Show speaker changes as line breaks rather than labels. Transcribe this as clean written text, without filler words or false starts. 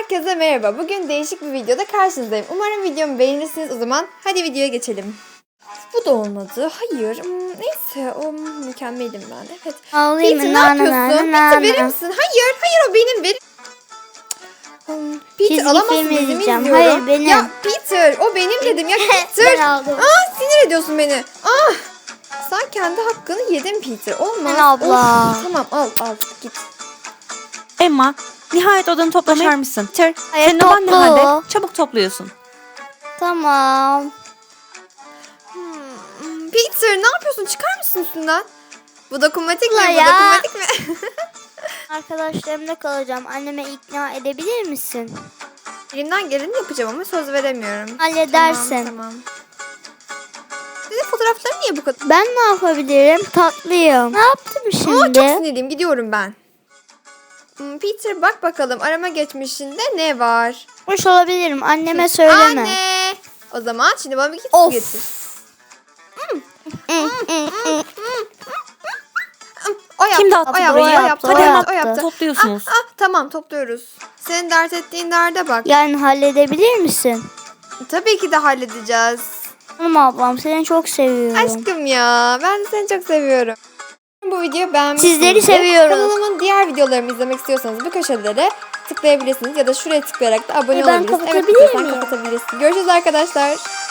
Herkese merhaba. Bugün değişik bir videoda karşınızdayım. Umarım videomu beğenirsiniz. O zaman hadi videoya geçelim. Bu da olmadı. Hayır. Neyse. Mükemmelim ben. Evet.
Ağlayayım
Peter
mı?
ne yapıyorsun? Peter verir misin? Hayır o benim. Peter
Çizgi
alamazsın.
film
Dizimi
izleyeceğim.
izliyorum.
Hayır, benim.
Ya Peter o benim dedim. Ya Peter.
Ben aldım.
Sinir ediyorsun beni. Sen kendi hakkını yedin Peter. Olmaz.
Ben abla.
Of, tamam al git.
Emma, nihayet odanı toplamaya mısın?
Hayır,
Senin odan ne
toplu.
halde? Çabuk topluyorsun.
Tamam.
Peter ne yapıyorsun? Çıkar mısın üstünden? Bu dokunmatik mi?
Abla
Bu
ya.
dokunmatik mi?
Arkadaşlarımla kalacağım. Anneme ikna edebilir misin?
Elimden geleni yapacağım ama söz veremiyorum.
Halledersin.
Tamam. Senin fotoğrafların niye bu kadar?
Ben ne yapabilirim? Tatlıyım. Ne yaptım
Çok
şimdi?
sinirliyim. Gidiyorum ben. Peter bak bakalım arama geçmişinde ne var?
Hoş olabilirim. Anneme söyleme.
Anne. O zaman şimdi bana bir kit
Of.
getir. O yaptı.
Kim dağıttı
O yaptı.
burayı?
O yaptı.
Hadi
O
Emma,
yaptı. O yaptı.
topluyorsunuz.
Tamam topluyoruz. Senin dert ettiğin derde bak.
Yani halledebilir misin?
Tabii ki de halledeceğiz.
Hanım ablam, seni çok seviyorum.
Aşkım ya ben de seni çok seviyorum. Bu videoyu beğenmişsinizdir.
Sizleri seviyoruz.
Kanalımın diğer videolarımı izlemek istiyorsanız bu köşelere tıklayabilirsiniz ya da şuraya tıklayarak da abone
Ben
olabilirsiniz. Evet
kapatabilir
sen
miyim?
kapatabilirsin. Görüşürüz arkadaşlar.